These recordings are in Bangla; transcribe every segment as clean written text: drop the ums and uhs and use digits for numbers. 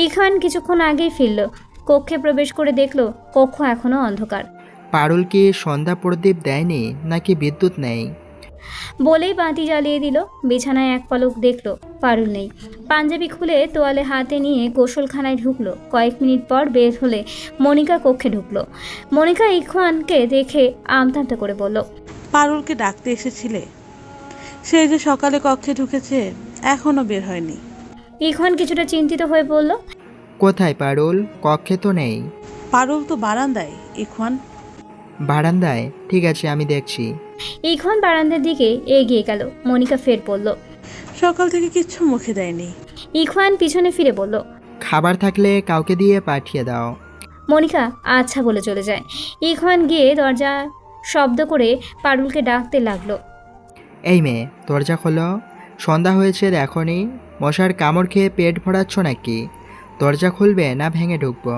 ইখওয়ান কিছুক্ষণ আগেই ফিরল। কক্ষে প্রবেশ করে দেখল কক্ষ এখনো অন্ধকার। পারুল কি সন্ধ্যা প্রদীপ দেয়নি নাকি বিদ্যুৎ নেই? বলেই বাতি জ্বালিয়ে দিল। বিছানায় এক পলক দেখল পারুল নেই। পাঞ্জাবি খুলে তোয়ালে হাতে নিয়ে গোসলখানায় ঢুকলো। কয়েক মিনিট পর বের হলে মনিকা কক্ষে ঢুকলো। মনিকা ইখওয়ানকে দেখে আমতা করে বলল, পারুলকে ডাকতে এসেছিলে? সে যে সকালে কক্ষে ঢুকেছে, এখনো বের হয়নি। ইখওয়ান কিছুটা চিন্তিত হয়ে বলল, কোথায় পারুল? কক্ষে তো নেই। পারুল তো বারান্দায়। ইখওয়ান। বারান্দায়? ঠিক আছে, আমি দেখছি। ইখওয়ান বারান্দার দিকে এগিয়ে গেল। মনিকা ফের বলল, সকাল থেকে কিচ্ছু মুখে দেয়নি। ইখওয়ান পিছনে ফিরে বলল, খাবার থাকলে কাউকে দিয়ে পাঠিয়ে দাও। মনিকা আচ্ছা বলে চলে যায়। ইখওয়ান গিয়ে দরজা শব্দ করে পারুলকে ডাকতে লাগলো। এই মেয়ে, দরজা খোলো। সন্ধ্যা হয়েছে দেখনি? মশার কামড় খেয়ে পেট ভরাচ্ছ নাকি? দরজা খুলবে না ভেঙে ঢুকবো?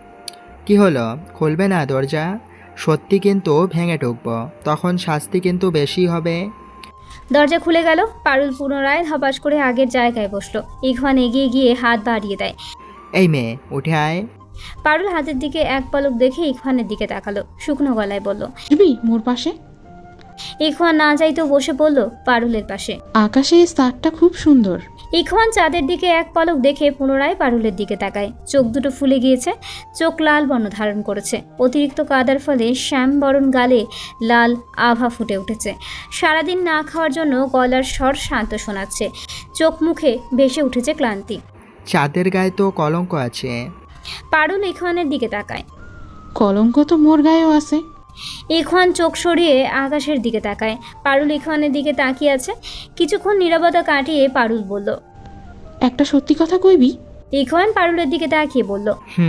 কি হলো, খুলবে না দরজা? সত্যি কিন্তু ভেঙে ঢুকবো, তখন শাস্তি কিন্তু বেশি হবে। দরজা খুলে গেল। পারুল পুনরায় ধপাস করে আগের জায়গায় বসলো। ইখওয়ান এগিয়ে গিয়ে হাত বাড়িয়ে দেয়। এই মেয়ে, উঠে আয়। পারুল হাতের দিকে এক পলক দেখে ইখওয়ানের দিকে তাকালো। শুকনো গলায় বলল, মোর পাশে। ইখওয়ান না যাইতেও বসে পড়ল পারুলের পাশে। আকাশে স্টারটা খুব সুন্দর। ইখওয়ান চাঁদের দিকে এক পলক দেখে পুনরায় পারুলের দিকে তাকায়। চোখ দুটো ফুলে গিয়েছে, চোখ লাল বর্ণ ধারণ করেছে। অতিরিক্ত কাদার ফলে শ্যামবরণ গালে লাল আভা ফুটে উঠেছে। সারাদিন না খাওয়ার জন্য গলার স্বর শান্ত শোনাচ্ছে। চোখ মুখে ভেসে উঠেছে ক্লান্তি। চাঁদের গায়ে তো কলঙ্ক আছে। পারুল ইখওয়ানের দিকে তাকায়। কলঙ্ক তো মোর গায়েও আছে। ইখওয়ান চোখ সরিয়ে আকাশের দিকে তাকায়। পারুল ইখওয়ানের দিকে তাকিয়ে আছে। কিছুক্ষণ নীরবতা কাটিয়ে পারুল বলল, একটা সত্যি কথা কইবি? ইখওয়ান পারুলের দিকে তাকিয়ে বলল,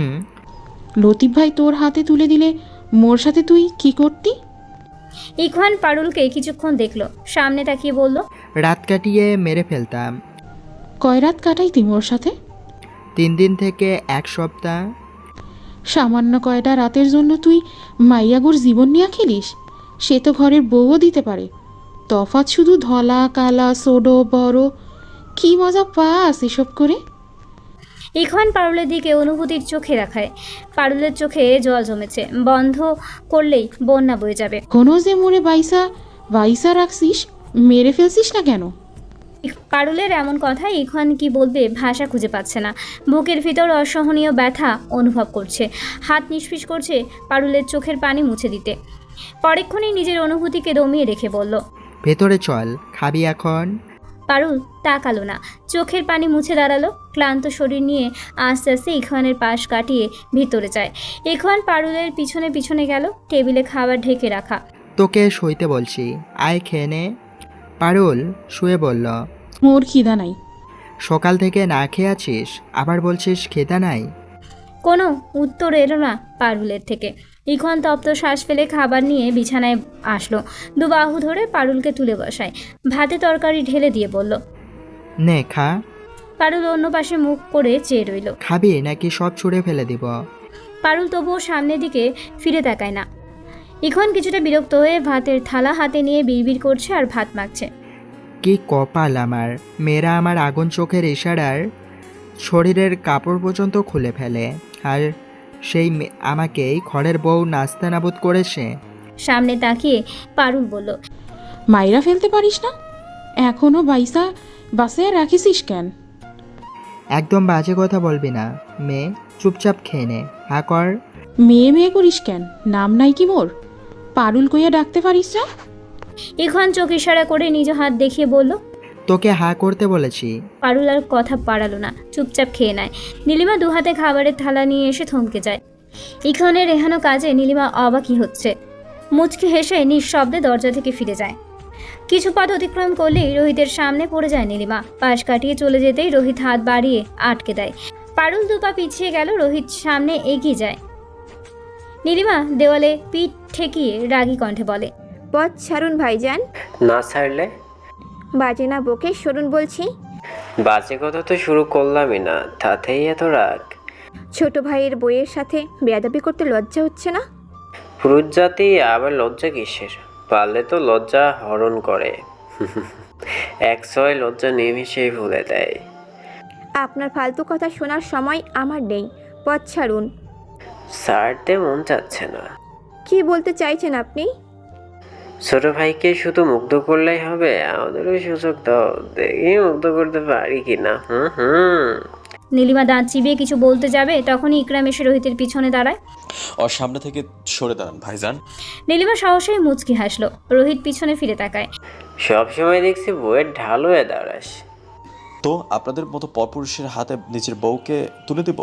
লতিফ ভাই তোর হাতে তুলে দিলে মোর সাথে তুই কি করতি? ইখওয়ান পারুলকে কিছুক্ষণ দেখলো, সামনে তাকিয়ে বলল, রাত কাটিয়ে মেরে ফেলতাম। কয় রাত কাটাইতি মোর সাথে? 3 দিন থেকে 1 সপ্তাহ। সামান্য কয়টা রাতের জন্য তুই মাইয়াগুর জীবন নিয়ে খেলিস? সে তো ঘরের বউও দিতে পারে। তফাৎ শুধু ধলা কালা সোডো বড়। কি মজা পাস এসব করে? ইখওয়ান পারুলের দিকে অনুভূতির চোখে রাখায়। পারুলের চোখে জল জমেছে। বন্ধ করলেই বন্যা বয়ে যাবে। কোনো যে মোরে বাইসা বাইসা রাখছিস, মেরে ফেলছিস না কেন? পারুলের এমন কথা ইখওয়ান কি বলবে ভাষা খুঁজে পাচ্ছে না। বুকের ভিতর অসহনীয় ব্যথা অনুভব করছে। হাত নিষ্পিস করছে পারুলের চোখের পানি মুছে দিতে। পরেক্ষণেই নিজের অনুভূতিকে দমিয়ে রেখে বলল, ভেতরে চল, খাবি এখন? পারুল তাকালো না, চোখের পানি মুছে দাঁড়ালো। ক্লান্ত শরীর নিয়ে আস্তে আস্তে ইখওয়ানের পাশ কাটিয়ে ভিতরে যায়। ইখওয়ান পারুলের পিছনে পিছনে গেল। টেবিলে খাবার ঢেকে রাখা। তোকে শুইতে বলছি, আয় খেয়ে নে। পারুল শুয়ে বলল, মোর খিদা নাই। সকাল থেকে না খেয়ে আছিস, আবার বলছিস খেদা নাই? কোনো উত্তর এলো না পারুলের থেকে। ইখওয়ান তপ্ত শ্বাস ফেলে খাবার নিয়ে বিছানায় আসলো। দুবাহু ধরে পারুলকে তুলে বসায়। ভাতে তরকারি ঢেলে দিয়ে বলল, নে খা। পারুল অন্য পাশে মুখ করে চেয়ে রইল। খাবি নাকি সব ছুঁড়ে ফেলে দিব? পারুল তবুও সামনের দিকে ফিরে তাকায় না। ইখওয়ান কিছুটা বিরক্ত হয়ে ভাতের থালা হাতে নিয়ে বিড়বিড় করছে আর ভাত মাখছে। কি কপাল আমার, মেয়েরা আমার আগুন চোখের ইশারার শরীরের কাপড় পর্যন্ত খুলে ফেলে, আর সেই আমাকেই ঘরের বউ নাস্তা নাবুদ করেছে। সামনে তাকিয়ে পারুল বলল, মাইরা ফেলতে পারিস না? এখনো বাইসা বাসে রাখিসিস কেন? একদম বাজে কথা বলবি না মেয়ে, চুপচাপ খেয়ে নে। হা কর। মেয়ে মেয়ে করিস কেন? নাম নাই কি মোর? পারুল কইয়া ডাকতে পারিস না? ইখওয়ান চোখ ইশারা করে নিজ হাত দেখিয়ে বলল। তোকে হা করতে বলেছি। পারুল আর কথা বাড়ালো না, চুপচাপ খেয়ে নেয়। নীলিমা দুহাতে খাবারের থালা নিয়ে এসে থমকে যায়। ইখওয়ানের রেহানো কাজে নীলিমা অবাকই হচ্ছে। মুচকি হেসে নিঃশব্দে দরজা থেকে ফিরে যায়। কিছু পথ অতিক্রম করলেই রোহিতের সামনে পড়ে যায় নীলিমা। পাশ কাটিয়ে চলে যেতেই রোহিত হাত বাড়িয়ে আটকে দেয়। পারুল দুপা পিছিয়ে গেল, রোহিত সামনে এগিয়ে যায়। নীলিমা দেওয়ালে পিঠ ঠেকিয়ে রাগী কণ্ঠে বলে, পথ ছাড়ুন ভাইজান। না ছাড়লে? বাজে না বকে সরুন বলছি। বাজে কথা তো শুরু করলামই না, তাতেই এত রাগ? ছোট ভাইয়ের বইয়ের সাথে বেয়াদবি করতে লজ্জা হচ্ছে না? পুরুষ জাতি আবার লজ্জা কিসের? পারলে তো লজ্জা হরণ করে। 100 লজ্জা নিমিশেই ভুলে দেয়। আপনার ফালতু কথা শোনার সময় আমার নেই, পথ ছাড়ুন। ছাড়তে মন চাচ্ছে না। কি বলতে চাইছেন আপনি? ছোট ভাইকে শুধু মুগ্ধ করলেই হবে? আমাদেরও সুযোগ দাও, দেখি মুগ্ধ করতে পারি কিনা। নীলিমা দাঁত চিবিয়ে কিছু বলতে যাবে, তখনই ইকরাম এসে রোহিতের পিছনে দাঁড়ায়। ওর সামনে থেকে সরে দাঁড়ান ভাইজান। নীলিমা সাহসেই মুচকি হাসলো। রোহিত পিছনে ফিরে তাকায়। সব সময় দেখছি বউয়ের ঢাল হয়ে দাঁড়াস। তো আপনাদের মতো পরপুরুষের হাতে নিজের বউকে তুলে দেব?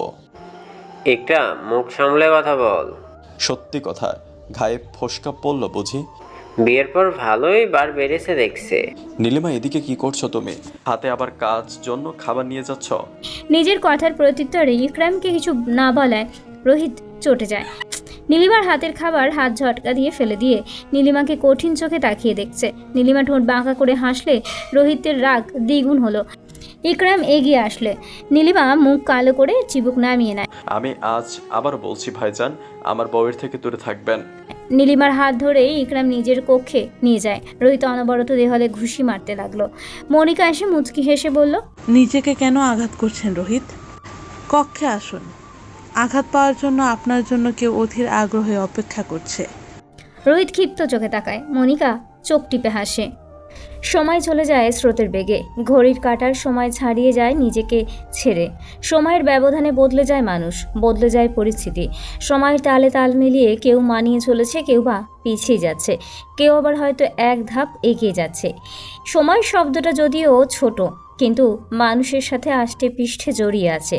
একটা মুখ সামলে কথা বল। সত্যি কথা, ঘায়ে ফোসকা পড়লো বুঝি? বিয়ের পর ভালোই বার বেড়েছে দেখছে। নীলিমা, এদিকে কি করছো তুমি? হাতে আবার কাজ জন্য খাবার নিয়ে যাচ্ছ? নিজের কথার প্রত্যুত্তরে ইকরামকে কিছু না বলায় রোহিত চটে যায়। নীলিমার হাতের খাবার হাত ঝটকা দিয়ে ফেলে দিয়ে নীলিমাকে কঠিন চোখে তাকিয়ে দেখছে। নীলিমা ঠোঁট বাঁকা করে হাসলে রোহিতের রাগ দ্বিগুণ হলো। ইকরাম এগিয়ে আসলে নীলিমা মুখ কালো করে চিবুক নামিয়ে নেয়। আমি আজ আবার বলছি ভাইজান, আমার বউয়ের থেকে দূরে থাকবেন। নীলিমার হাত ধরে ইকরাম নিজের কক্ষে নিয়ে যায়। রোহিত অনবরত দেওয়ালে ঘুষি মারতে লাগলো। মনিকা এসে মুচকি হেসে বলল, নিজেকে কেন আঘাত করছেন রোহিত? কক্ষে আসুন, আঘাত পাওয়ার জন্য আপনার জন্য কেউ অধীর আগ্রহে অপেক্ষা করছে। রোহিত ক্ষিপ্ত চোখে তাকায়। মনিকা চোখ টিপে হাসে। সময় চলে যায় স্রোতের বেগে। ঘড়ির কাঁটার সময় ছাড়িয়ে যায় নিজেকে ছেড়ে। সময়ের ব্যবধানে বদলে যায় মানুষ, বদলে যায় পরিস্থিতি। সময়ের তালে তাল মিলিয়ে কেউ মানিয়ে চলেছে, কেউ বা পিছিয়ে যাচ্ছে, কেউ আবার হয়তো এক ধাপ এগিয়ে যাচ্ছে। সময় শব্দটা যদিও ছোট, কিন্তু মানুষের সাথে আষ্টে পৃষ্ঠে জড়িয়ে আছে।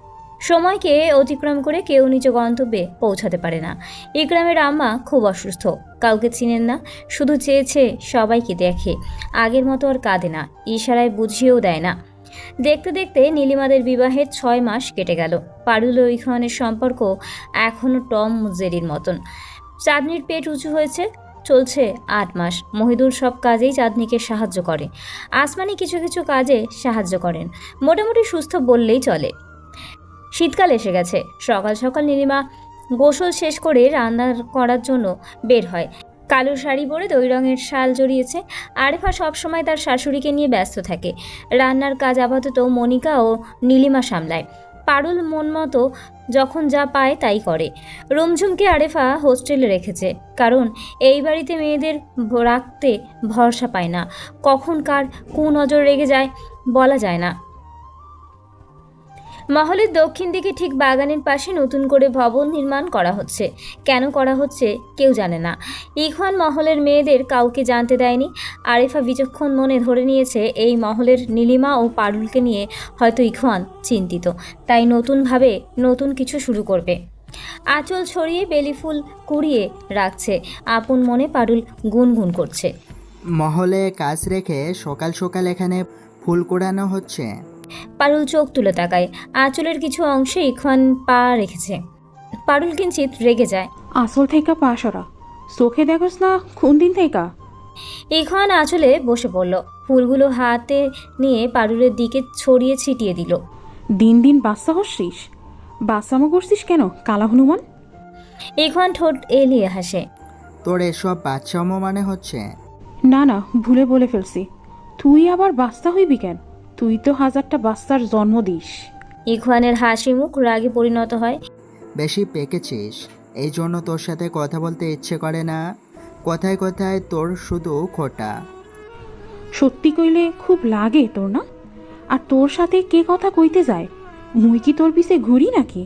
সময়কে অতিক্রম করে কেউ নিজ গন্তব্যে পৌঁছাতে পারে না। ইকরামের আম্মা খুব অসুস্থ, কাউকে চিনেন না, শুধু চেয়েছে সবাইকে দেখে। আগের মতো আর কাঁদে না, ইশারায় বুঝিয়েও দেয় না। দেখতে দেখতে নীলিমাদের বিবাহের 6 মাস কেটে গেল। পারুল ও ইখওয়ানের সম্পর্ক এখনও টম জেরির মতন। চাঁদনির পেট উঁচু হয়েছে, চলছে 8 মাস। মহিদুল সব কাজেই চাঁদনিকে সাহায্য করে। আসমানি কিছু কিছু কাজে সাহায্য করেন। মোটামুটি সুস্থ বললেই চলে। শীতকাল এসে গেছে। সকাল সকাল নীলিমা গোসল শেষ করে রান্না করার জন্য বের হয়। কালো শাড়ি পরে দই রঙের শাল জড়িয়েছে। আরেফা সবসময় তার শাশুড়িকে নিয়ে ব্যস্ত থাকে। রান্নার কাজ আপাতত মনিকা ও নীলিমা সামলায়। পারুল মন মতো যখন যা পায় তাই করে। রুমঝুমকে আরেফা হোস্টেলে রেখেছে, কারণ এই বাড়িতে মেয়েদের রাখতে ভরসা পায় না। কখন কার কুনজর রেগে যায় বলা যায় না। মহলের দক্ষিণ দিকে ঠিক বাগানের পাশে নতুন করে ভবন নির্মাণ করা হচ্ছে। কেন করা হচ্ছে কেউ জানে না। ইখওয়ান মহলের মেয়েদের কাউকে জানতে দেয়নি। আরিফা বিচক্ষণ মনে ধরে নিয়েছে এই মহলের নীলিমা ও পারুলকে নিয়ে হয়তো ইখওয়ান চিন্তিত, তাই নতুনভাবে নতুন কিছু শুরু করবে। আঁচল ছড়িয়ে বেলি ফুল কুড়িয়ে রাখছে। আপন মনে পারুল গুনগুন করছে। মহলে কাজ রেখে সকাল সকাল এখানে ফুল কুড়ানো হচ্ছে। পারুল চোখ তুলে তাকায়। আঁচলের কিছু অংশে ইখওয়ান পা রেখেছে। পারুল কিঞ্চিত রেগে যায়। আসল থেকে পাশরা চোখে দেখোস না কোন দিন থেকে? ইখওয়ান আঁচলে বসে পড়ল। ফুলগুলো হাতে নিয়ে পারুলের দিকে ছড়িয়ে ছিটিয়ে দিল। দিন দিন বাচ্চা হচ্ছিস, বাচ্চামো করছিস কেন কালা হনুমান? ইখওয়ান ঠোঁট এলিয়ে হাসে। তোর এসব বাচ্চামো মানে হচ্ছে? না না, ভুলে বলে ফেলছি। তুই আবার বাচ্চা হইবি কেন? তুই তো 1000টা বাচ্চার জন্ম দিস। ইখওয়ানের হাসি মুখ রাগে পরিণত হয়। বেশি পেকেছিস, এই জন্য তোর সাথে কথা বলতে ইচ্ছে করে না। কথায় কথায় তোর শুধু খোটা। সত্যি কইলে খুব লাগে তোর না? আর তোর সাথে কে কথা কইতে যায়? মুই কি তোর পিছে ঘুরি নাকি?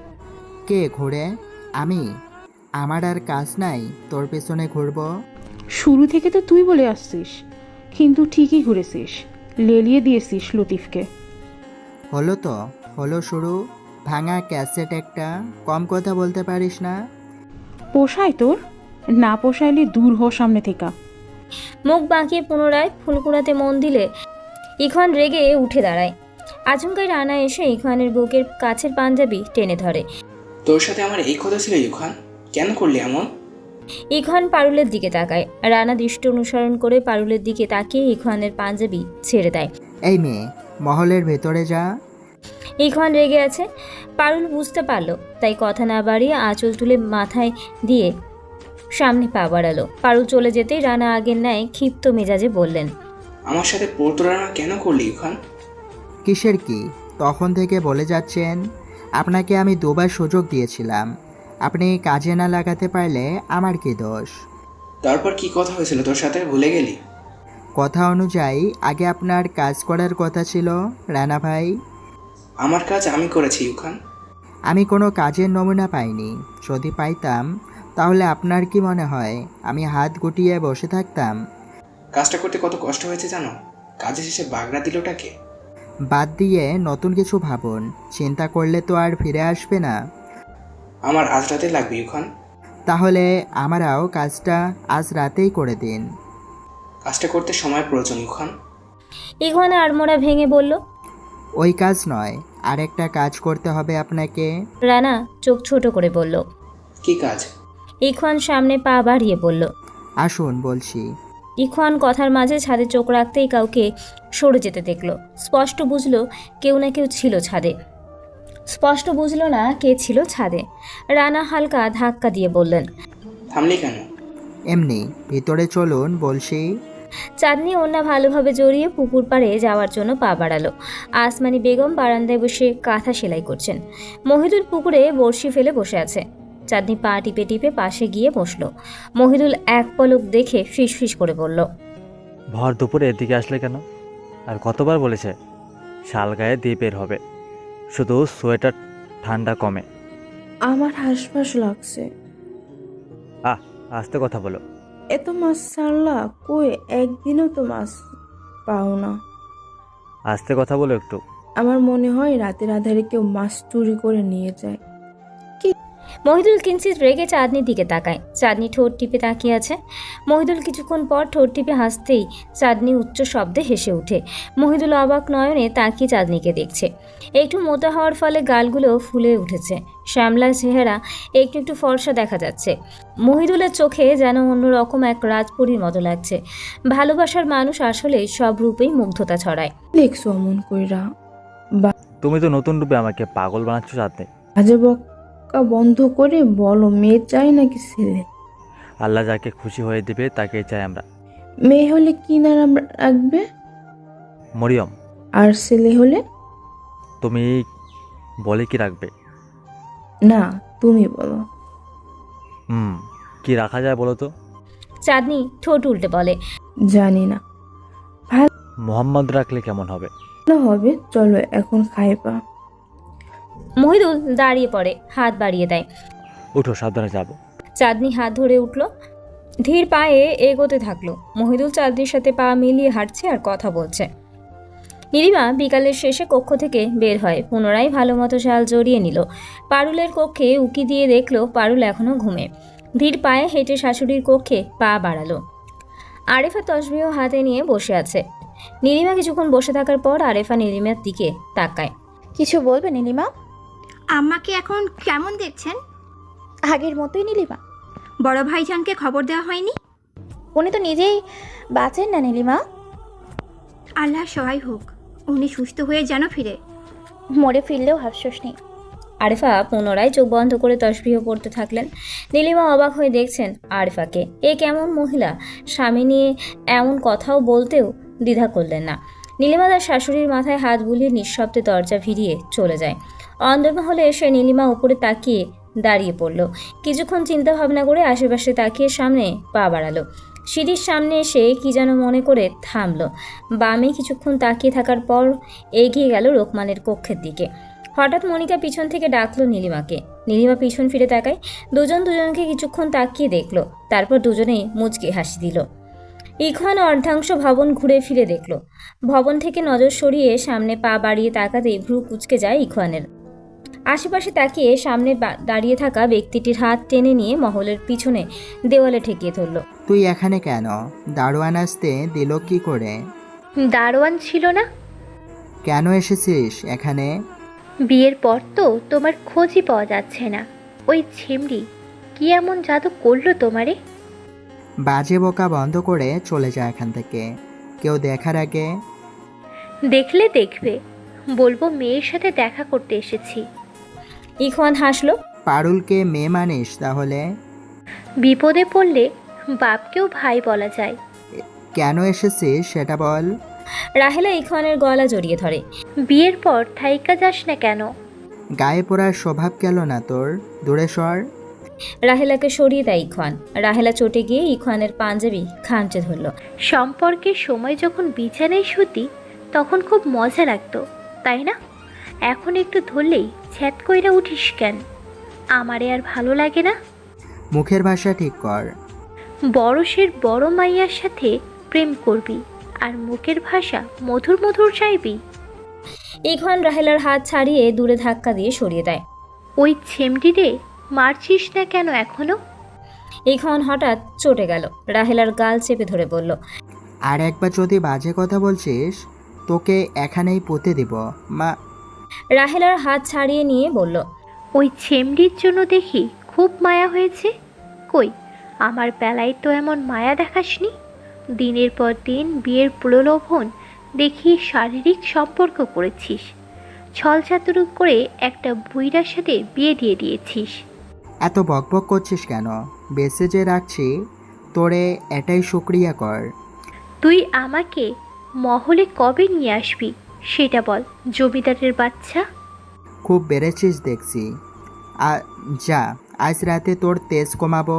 কে ঘুরে? আমি? আমার আর কাজ নাই তোর পেছনে ঘুরবো? শুরু থেকে তো তুই বলে আসছিস, কিন্তু ঠিকই ঘুরেছিস, লেলিয়ে দিয়েছিস লতিফকে। হলো তো, হলো শুরু। ভাঙা ক্যাসেট একটা, কম কথা বলতে পারিস না? পোষায় তোর? না পোষাইলে দূর হ সামনে থেকে। মুখ বাঁকিয়ে পুনরায় ফুল কুড়াতে মন দিলে ইখওয়ান রেগে উঠে দাঁড়ায়। আচমকাই রানা এসে ইখওয়ানের বুকের কাছের পাঞ্জাবি টেনে ধরে। তোর সাথে আমার এই কথা ছিল ইউখান, কেন করলি এমন? ইখওয়ান পারুলের দিকে তাকায়। রানা দৃষ্টি অনুসরণ করে পারুলের দিকে তাকিয়ে ইখওয়ানের পাঞ্জাবি ছেড়ে দেয়। এই মেয়ে, মহলের ভেতরে যা। ইখওয়ান রেগে আছে। পারুল বুঝতে পারলো, তাই কথা না বাড়িয়ে আঁচল তুলে মাথায় দিয়ে সামনে পা বাড়ালো। পারুল চলে যেতেই রানা আগের ন্যায় ক্ষিপ্ত মেজাজে বললেন, আমার সাথে প্রতারণা কেন করলি ইউখান? কিসের কি? তখন থেকে বলে যাচ্ছেন আপনাকে আমি দুবার সুযোগ দিয়েছিলাম, আপনি কাজে না লাগাতে পারলে আমার কি দোষ? তারপর কি কথা হয়েছিল তোর সাথে, ভুলে গেলি? কথা অনুযায়ী আগে আপনার কাজ করার কথা ছিল রানা ভাই। আমার কাজ আমি করেছি ইউখান। আমি কোনো কাজের নমুনা পাইনি, যদি পাইতাম তাহলে আপনার কি মনে হয় আমি হাত গুটিয়ে বসে থাকতাম? কাজটা করতে কত কষ্ট হয়েছে জানো? কাজে শেষে বাগড়া দিলটাকে। বাদ দিয়ে নতুন কিছু ভাবুন, চিন্তা করলে তো আর ফিরে আসবে না। আমার আজ রাতে লাগবে ইউখান। তাহলে আমারও কাজটা আজ রাতেই করে দিন। কাজটা করতে সময় প্রয়োজন ইউখান। ইখওয়ান আড়মোড়া ভেঙে বলল। ওই কাজ নয়, আরেকটা কাজ করতে হবে আপনাকে। রানা চোখ ছোট করে বলল। কি কাজ? ইখওয়ান সামনে পা বাড়িয়ে বলল। আসুন বলছি। ইখওয়ান কথার মাঝে ছাদে চোখ রাখতেই কাউকে সরে যেতে দেখলো। স্পষ্ট বুঝলো কেউ না কেউ ছিল ছাদে। স্পষ্ট বুঝলো না কে ছিল ছাদে। রানা হালকা ধাক্কা দিয়ে বললেন, থামলি কেন? এমনি ভিতরে চলুন বলছি। চাঁদনি ওড়না ভালোভাবে জড়িয়ে পুকুর পাড়ে যাওয়ার জন্য পা বাড়ালো। আসমানি বেগম বারান্দায় বসে কাঁথা সেলাই করছেন। মহিদুল পুকুরে বড়শি ফেলে বসে আছে। চাঁদনি পা টিপে টিপে পাশে গিয়ে বসলো। মহিদুল এক পলক দেখে ফিসফিস করে বলল, ভর দুপুরে এদিকে আসলে কেন? আর কতবার বলেছে শাল গায়ে দিয়ে বের হবে, শুধু সোয়েটার ঠান্ডা কমে। আমার হাঁসফাঁস লাগছে। আস্তে কথা বলো। এত মাছ ছাড়লা কই? একদিনও তো মাছ পাও না। আস্তে কথা বলো একটু। আমার মনে হয় রাতের আধারে কেউ মাছ চুরি করে নিয়ে যায়। মহিদুল কিঞ্চিত রেগে চাঁদনির দিকে তাকায়। চাঁদনি ঠোঁট টিপে তাকিয়ে আছে। মহিদুল কিছুক্ষণ পর ঠোঁট টিপে হাসতেই চাঁদনি উচ্চ শব্দে হেসে ওঠে। মহিদুল অবাক নয়নে তাকিয়ে চাঁদনিকে দেখছে। একটু মোটা হওয়ার ফলে গালগুলো ফুলে উঠেছে। শ্যামলা চেহারা একটু একটু ফর্সা দেখা যাচ্ছে। মহিদুলের চোখে যেন অন্যরকম এক রাজপরীর মতো লাগছে। ভালোবাসার মানুষ আসলে সব রূপেই মুগ্ধতা ছড়ায়। দেখছো অমন কইরা? তুমি তো নতুন রূপে আমাকে পাগল বানাচ্ছ চাঁদনি। বাজে বকা বন্ধ করে বলো, মেয়ে চাই নাকি ছেলে? আল্লাহ যাকে খুশি হয়ে দিবে তাকেই চাই আমরা। মেয়ে হলে কি নাম রাখবে? মরিয়ম। আর ছেলে হলে? তুমি বলে কি রাখবে? না, তুমি বলো। কি রাখা যায় বলো তো? চাঁদনি ঠোঁট উল্টে বলে, জানি না। মোহাম্মদ রাখলে কেমন হবে? ভালো হবে, চলো এখন খাইবা। মহিদুল দাঁড়িয়ে পড়ে, হাত বাড়িয়ে দেয়। উঠো, সাবধানে যাবো। চাঁদনি হাত ধরে উঠল, ধীর পায়ে এগোতে থাকলো। মহিদুল চাঁদনির সাথে পা মিলিয়ে হাঁটছে আর কথা বলছে। নীলিমা বিকালের শেষে কক্ষ থেকে বের হয়। পুনরায় ভালো মতো শাল জড়িয়ে নিল। পারুলের কক্ষে উকি দিয়ে দেখলো পারুল এখনো ঘুমে। ধীর পায়ে হেঁটে শাশুড়ির কক্ষে পা বাড়ালো। আরেফা তসবিহ হাতে নিয়ে বসে আছে। নীলিমা কিছুক্ষণ বসে থাকার পর আরেফা নীলিমার দিকে তাকায়। কিছু বলবে নীলিমা? আমাকে এখন কেমন দেখছেন? আগের মতোই নীলিমা। বড় ভাইজানকে খবর দেওয়া হয়নি? উনি তো নিজেই বাঁচেন না নীলিমা। আল্লাহ সহায় হোক, উনি সুস্থ হয়ে যেন ফিরে। মরে ফিরলেও আফসোস নেই। আরেফা পুনরায় চোখ বন্ধ করে তসবিহ পড়তে থাকলেন। নীলিমা অবাক হয়ে দেখছেন আরেফাকে। এ কেমন মহিলা, স্বামী নিয়ে এমন কথাও বলতেও দ্বিধা করলেন না। নীলিমা তার শাশুড়ির মাথায় হাত বুলিয়ে নিঃশব্দে দরজা ভিড়িয়ে চলে যায়। অন্দরমহলে এসে নীলিমা উপরে তাকিয়ে দাঁড়িয়ে পড়ল। কিছুক্ষণ চিন্তা ভাবনা করে আশেপাশে তাকিয়ে সামনে পা বাড়ালো। সিঁড়ির সামনে এসে কি যেন মনে করে থামলো। বামে কিছুক্ষণ তাকিয়ে থাকার পর এগিয়ে গেল রোকমানের কক্ষের দিকে। হঠাৎ মনিকা পিছন থেকে ডাকলো নীলিমাকে। নীলিমা পিছন ফিরে তাকায়। দুজনকে কিছুক্ষণ তাকিয়ে দেখলো। তারপর দুজনেই মুচকি হাসি দিল। ইখওয়ান অর্ধাংশ ভবন ঘুরে ফিরে দেখল। ভবন থেকে নজর সরিয়ে সামনে পা বাড়িয়ে তাকাতেই ভ্রু কুঁচকে যায় ইখওয়ানের। আশেপাশে তাকিয়ে সামনে দাঁড়িয়ে থাকা ব্যক্তিটির হাত টেনে নিয়ে মহলের পিছনে দেওয়ালে ঠেকিয়ে ধরল। তুই এখানে কেন? দারোয়ান আসতে দিল কি করে? দারোয়ান ছিল না? কেন এসেছিস এখানে? বিয়ের পর তো তোমার খোঁজই পাওয়া যাচ্ছে না। ওই ছিমড়ি কি এমন জাদু করলো তোমারে? বাজে বকা বন্ধ করে চলে যা এখান থেকে, কেউ দেখার আগে। দেখলে দেখবে, বলবো মেয়ের সাথে দেখা করতে এসেছি। ইখওয়ান হাসলো। পারুলকে মেয়ে মানিস তাহলে? বিপদে পড়লে বাপকেও ভাই বলা যায়। কেন এসেছিস সেটা বল। রাহেলা ইখওয়ানের গলা জড়িয়ে ধরে। বিয়ের পর থাইকা যাস না কেন? গায়ে পড়ার স্বভাব গেল না তোর? দূরে সর। রাহেলাকে সরিয়ে দেয় ইখওয়ান। রাহেলা চটে গিয়ে ইখওয়ানের পাঞ্জাবি খামচে ধরল। সম্পর্কের সময় যখন বিছানায় শুতি তখন খুব মজা লাগতো, তাই না? এখন একটু ধরলেই ছ্যাত কইরা উঠিস কেন? আমারে আর ভালো লাগে না। মুখের ভাষা ঠিক কর। বড়শের বড় মাইয়ার সাথে প্রেম করবি আর মুখের ভাষা মধুর মধুর চাইবি। ইখওয়ান রাহেলার হাত ছাড়িয়ে দূরে ধাক্কা দিয়ে সরিয়ে দেয়। ওই ছেমটিরে মারছিস না কেন এখনো? ইখওয়ান হঠাৎ চটে গেল। রাহেলার গাল চেপে ধরে বলল, আর একবার যদি বাজে কথা বলছিস তোকে এখানেই পুঁতে দিব মা। রাহেলার হাত ছাড়িয়ে নিয়ে বলল, ওই ছেমটির জন্য দেখি খুব মায়া হয়েছে। কই, আমার বেলায় তো এমন মায়া দেখাসনি। দিনের পর দিন বিয়ের প্রলোভন দেখি শারীরিক সম্পর্ক করেছিস, ছলচাতুরি করে একটা বুইড়ার সাথে বিয়ে দিয়ে দিয়েছিস। এত বকবক করছিস কেন? বেঁচে যে রাখছি তোরে এটাই শুক্রিয়া কর। তুই আমাকে মহলে কবে নিয়ে আসবি সেটা বল, জমিদারের বাচ্চা। খুব বেড়েছিস দেখছি। যা, আজ রাতে তোর তেজ কমাবো।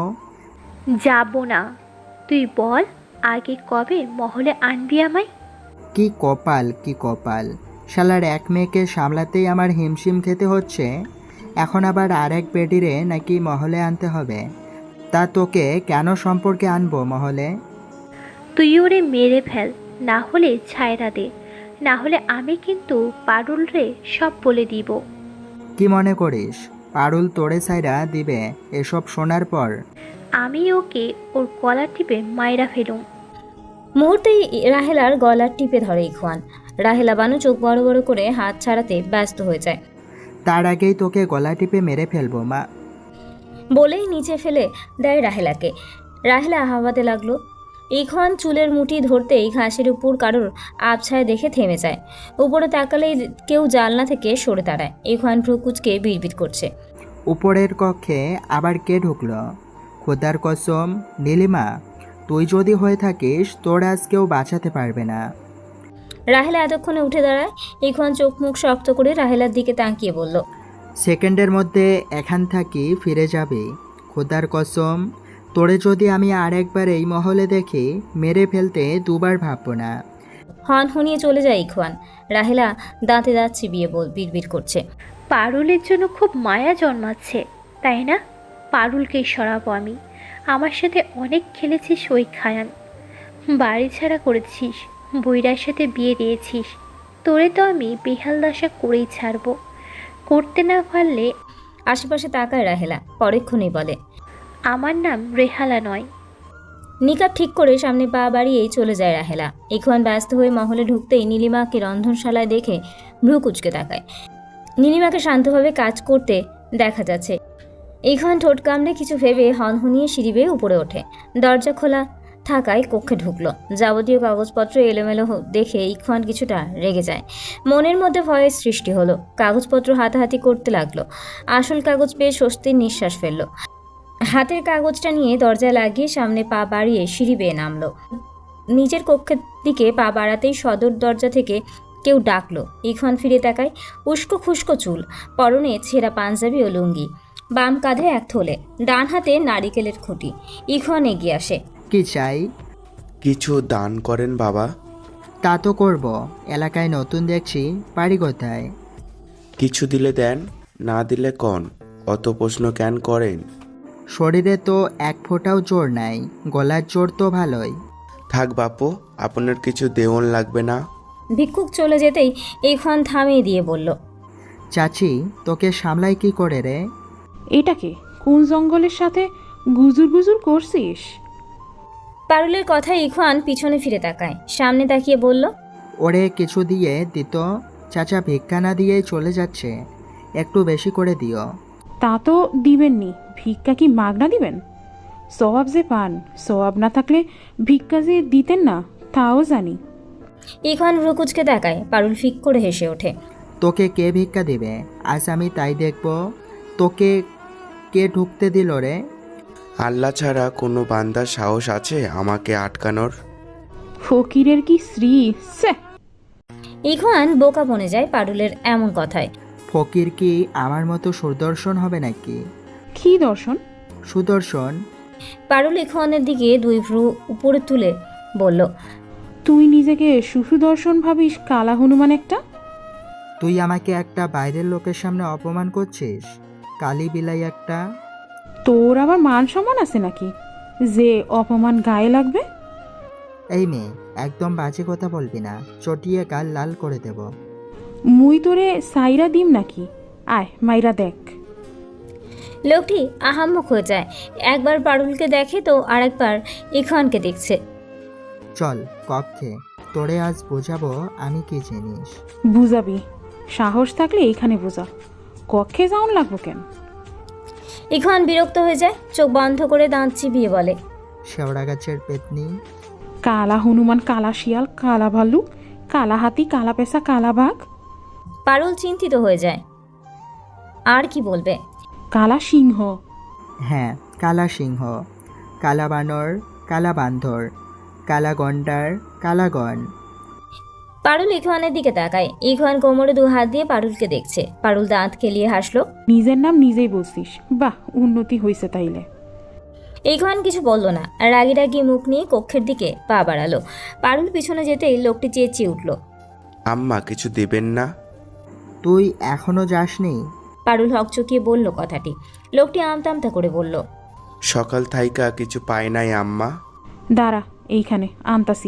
যাব না, তুই বল আগে কবে মহলে আনবি আমায়। কি কপাল, কি কপাল! শালার এক মেয়েকে সামলাতেই আমার হিমশিম খেতে হচ্ছে, এখন আবার আরেক বেডিরে নাকি মহলে আনতে হবে। তা তোকে কেন সম্পর্কে আনবো মহলে? তুই ওরে মেরে ফেল, না হলে ছায়রা দে, না হলে আমি কিন্তু পারুল রে সব বলে দিব। কি মনে করিস পারুল তোরে সাইরা দিবে এসব শোনার পর? আমি ওকে ওর গলা টিপে মাইরা ফেলুম। মুহূর্তেই রাহেলার গলা টিপে ধরে ইখওয়ান। রাহেলা বানু চোখ বড় বড় করে হাত ছাড়াতে ব্যস্ত হয়ে যায়। তার আগেই তোকে গলা টিপে মেরে ফেলবো মা। বলেই নিচে ফেলে দেয় রাহেলাকে। রাহেলা হাওয়াতে লাগলো। ইখওয়ান চুলের মুঠি ধরতেই ঘাসের উপর কারোর আবছায় দেখে থেমে যায়। উপরে তাকালেই কেউ জানলা থেকে সরে দাঁড়ায়। ইখওয়ান ভ্রুকুচকে বিড়বিড় করছে। উপরের কক্ষে আবার কে ঢুকলো? খোদার কসম নীলিমা, তুই যদি হয়ে থাকিস তোর আজ কেউ বাঁচাতে পারবে না। রাহেলা এতক্ষণে উঠে দাঁড়ায়। ইখওয়ান চোখ মুখ শক্ত করে রাহেলার দিকে তাকিয়ে বলল, সেকেন্ডের মধ্যে এখান থাকি ফিরে যাবে। খোদার কসম, তোরে যদি আমি আরেকবার এই মহলে দেখি মেরে ফেলতে দুবার ভাববো না। হন হনিয়ে চলে যায় ইখওয়ান। রাহেলা দাঁতে দাঁত চিবিয়ে বিড়বিড় করছে। পারুলের জন্য খুব মায়া জন্মাচ্ছে, তাই না? পারুলকেই সরাবো আমি। আমার সাথে অনেক খেলেছিস ওই খায়ান, বাড়ি ছাড়া করেছিস, বইরার সাথে বিয়ে দিয়েছিস। তোরে তো আমি বেহাল দশা করেই ছাড়বো। করতে না পারলে। আশেপাশে তাকায় রাহেলা, পরক্ষণেই বলে, আমার নাম রেহালা নয়। নিকাব ঠিক করে সামনে পা বাড়িয়েই চলে যায় রাহেলা। ইখওয়ান ব্যস্ত হয়ে মহলে ঢুকতেই নীলিমাকে রন্ধনশালায় দেখে ভ্রু কুচকে তাকায়। নীলিমাকে শান্তভাবে কাজ করতে দেখা যাচ্ছে। ইখওয়ান ঠোঁট কামড়ে কিছু ভেবে হনহনিয়ে সিঁড়ি বেয়ে উপরে ওঠে। দরজা খোলা থাকায় কক্ষে ঢুকলো। যাবতীয় কাগজপত্র এলোমেলো দেখে ইখওয়ান কিছুটা রেগে যায়। মনের মধ্যে ভয়ের সৃষ্টি হলো। কাগজপত্র হাতাহাতি করতে লাগলো। আসল কাগজ পেয়ে স্বস্তির নিঃশ্বাস ফেললো। হাতের কাগজটা নিয়ে দরজায় লাগিয়ে সামনে পা বাড়িয়ে সিঁড়ি বেয়ে নামলো। নিজের কক্ষের দিকে পা বাড়াতেই সদর দরজা থেকে কেউ ডাকলো। ইখওয়ান ফিরে তাকায়। উস্কো খুস্কো চুল, পরনে ছেঁড়া পাঞ্জাবি ও লুঙ্গি, বাম কাঁধে এক থলে, ডান হাতে নারিকেলের খুঁটি। ইখওয়ান এগিয়ে আসে। কি চাই? কিছু দান করেন বাবা। তা তো করব, এলাকায় নতুন দেখছি, বাড়ি কোথায়? কিছু দিলে দেন, না দিলে কন, অত প্রশ্ন কেন করেন? শরীরে তো এক ফোঁটাও জোর নাই, গলার জোর তো ভালোই। থাক বাপু, আপনার কিছু দেওয়ান লাগবে না। ভিক্ষুক চলে যেতেই ইখওয়ান থামিয়ে দিয়ে বলল, চাচি তোকে সামলাই কি করে রে? এটাকে কোন জঙ্গলের সাথে গুজুর গুজুর করছিস? পারুলের কথায় ইখওয়ান পিছনে ফিরে তাকায়। সামনে তাকিয়ে বলল, ওরে কিছু দিয়ে দিত, চাচা ভিক্ষা না দিয়েই চলে যাচ্ছে, একটু বেশি করে দিও। তা তো দিবেননি, ভিক্ষা কি মাগনা দিবেন? সওয়াব যে পান, সওয়াব না থাকলে ভিক্ষা যে দিতেন না তাও জানি। ইখওয়ান ভ্রুকুচকে তাকায়। পারুল ফিক করে হেসে ওঠে। তোকে কে ভিক্ষা দিবে? আজ আমি তাই দেখব। তোকে কে ঢুকতে দিল রে? আল্লাহ ছাড়া কোনো বান্দার সাহস আছে আমাকে আটকানোর? ফকিরের কি শ্রী স্যাহ। ইখওয়ান বোকা বনে যায় পারুলের এমন কথায়। ফকির কি আমার মতো সুদর্শন হবে নাকি? কি দর্শন? সুদর্শন। পারুল ইখওয়ানের দিকে দুই ভ্রু উপরে তুলে বলল, তুই নিজেকে সুদর্শন ভাবিস? কালা হনুমান একটা। তুই আমাকে একটা বাইরের লোকের সামনে অপমান করছিস, কালি বিলাই একটা। তোর আবার মান সম্মান আছে নাকি যে অপমান গায়ে লাগবে? এই মেয়ে, একদম বাজে কথা বলবি না, চটিয়ে গাল লাল করে দেব। মুই তোরে সাইরা দিম নাকি? আয় মাইরা দেখ। লোকটি আহাম্মক হয়ে যায়। একবার পারুলকে দেখে তো আরেকবার ইখওয়ানকে দেখছে। চল কক্ষে, তোরে আজ বোঝাবো আমি কি জিনিস। বুঝাবি? সাহস থাকলে এইখানে বোঝা, কক্ষে যাওন লাগবো কেন? ইখওয়ান বিরক্ত হয়ে যায়, চোখ বন্ধ করে দাঁত চিবিয়ে বলে, শেওড়া গাছের পেতনি। কালা হনুমান, কালা শিয়াল, কালা ভাল্লুক, কালা হাতি, কালা পেশা, কালা বাঘ। পারুল চিন্তিত হয়ে যায়, আর কি বলবে? কালা সিংহ। হ্যাঁ, কালা সিংহ, কালা বানর, কালা বান্ধর, কালা গন্ডার, কালাগণ। পারুল ইখওয়ানের দিকে তাকায়। ইখওয়ান কোমরে দু হাত দিয়ে পারুলকে দেখছে। পারুল দাঁত খেলিয়ে হাসলো। নিজের নাম নিজেই বলছিস, বাহ উন্নতি হয়েছে তাইলে। ইখওয়ান কিছু বলল না, রাগি রাগি মুখ নিয়ে কক্ষের দিকে পা বাড়ালো। পারুল পিছনে যেতেই লোকটি চেঁচিয়ে উঠল, আম্মা কিছু দিবেন না? তুই এখনো যাসনি? পারুল হকচকিয়ে বলল কথাটি। লোকটি আমতা আমতা করে বলল, সকাল থাইকা কিছু পাই নাই আম্মা। দাঁড়া এইখানে আনতাসি।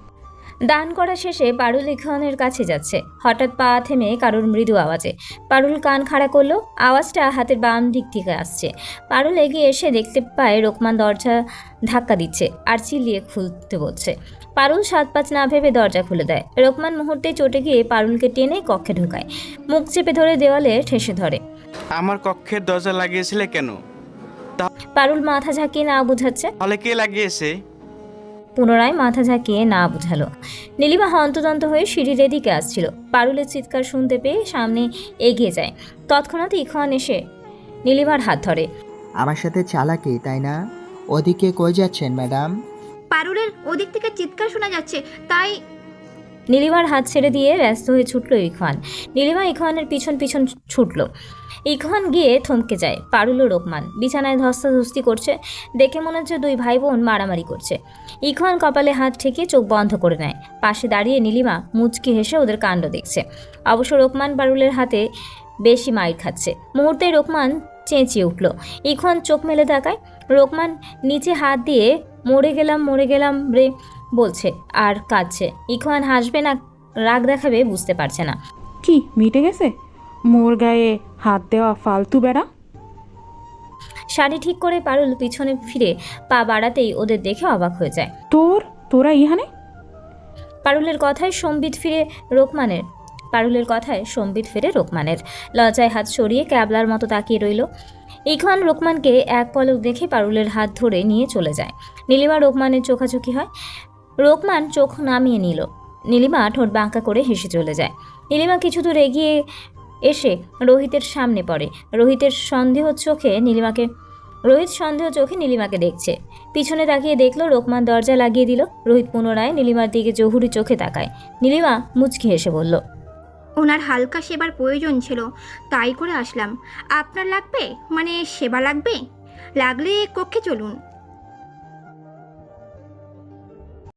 দান করা শেষে পারুল ইখওয়ানের কাছে যাচ্ছে। হঠাৎ পা থেমে কারোর মৃদু আওয়াজে পারুল কান খাড়া করলো। আওয়াজটা হাতের বাম দিক থেকে আসছে। পারুল এগিয়ে এসে দেখতে পায় রোকমান দরজা ধাক্কা দিচ্ছে আর চিল্লিয়ে খুলতে বলছে। পারুল 7-5 না ভেবে দরজা খুলে দেয়। রোকমান মুহূর্তে চটে গিয়ে পারুলকে টেনে কক্ষে ঢোকায়, মুখ চেপে ধরে দেওয়ালে ঠেসে ধরে। আমার কক্ষের দরজা লাগিয়েছিলে কেন? পারুল মাথা ঝাঁকিয়ে না বুঝাচ্ছে। তাহলে কে লাগিয়েছে? পুনরায় মাথা ঝাঁকিয়ে না বুঝালো। নীলিমা হন্তদন্ত হয়ে সিঁড়ির এদিকে আসছিল। পারুলের চিৎকার শুনতে পেয়ে সামনে এগিয়ে যায়। তৎক্ষণাৎ ইখওয়ান এসে নীলিমার হাত ধরে। আমার সাথে চালাকি তাই না? ওদিকে কই যাচ্ছেন ম্যাডাম? পারুলের ওদিক থেকে চিৎকার শোনা যাচ্ছে, তাই। নীলিমার হাত ছেড়ে দিয়ে ব্যস্ত হয়ে ছুটল ইখওয়ান। নীলিমা ইখওয়ানের পিছন পিছন ছুটল। ইখওয়ান গিয়ে থমকে যায়। পারুল ও রোকমান বিছানায় ধস্তাধস্তি করছে। দেখে মনে হচ্ছে দুই ভাই বোন মারামারি করছে। ইখওয়ান কপালে হাত ঠেকিয়ে চোখ বন্ধ করে নেয়। পাশে দাঁড়িয়ে নীলিমা মুচকি হেসে ওদের কাণ্ড দেখছে। অবশ্য রোকমান পারুলের হাতে বেশি মাইর খাচ্ছে। মুহূর্তেই রোকমান চেঁচিয়ে উঠল। ইখওয়ান চোখ মেলে তাকায়। রোকমান নিচে হাত দিয়ে মরে গেলাম রে বলছে আর কাঁদছে। ইখওয়ান হাসবে না রাগ দেখাবে বুঝতে পারছে না। কি মিটে গেছে? মোর গায়ে হাত দেওয়া ফালতু বেড়া। শাড়ি ঠিক করে পারুল পিছনে ফিরে পা বাড়াতেই ওদের দেখে অবাক হয়ে যায়। তোরা ইহানে? পারুলের কথায় সম্বিত ফিরে রোকমানের লজ্জায় হাত সরিয়ে ক্যাবলার মতো তাকিয়ে রইল। ইখওয়ান রোকমানকে এক পলক দেখে পারুলের হাত ধরে নিয়ে চলে যায়। নীলিমা রোকমানের চোখাচোখি হয়। রোকমান চোখ নামিয়ে নিল। নীলিমা ঠোঁট বাঁকা করে হেসে চলে যায়। নীলিমা কিছু দূর এগিয়ে এসে রোহিতের সামনে পড়ে। রোহিত সন্দেহ চোখে নীলিমাকে দেখছে। পিছনে তাকিয়ে দেখলো রোকমান দরজা লাগিয়ে দিল। রোহিত পুনরায় নীলিমার দিকে জহুরি চোখে তাকায়। নীলিমা মুচকি হেসে বলল, ওনার হালকা সেবার প্রয়োজন ছিল, তাই করে আসলাম। আপনার লাগবে? মানে সেবা লাগবে? লাগলে কক্ষে চলুন।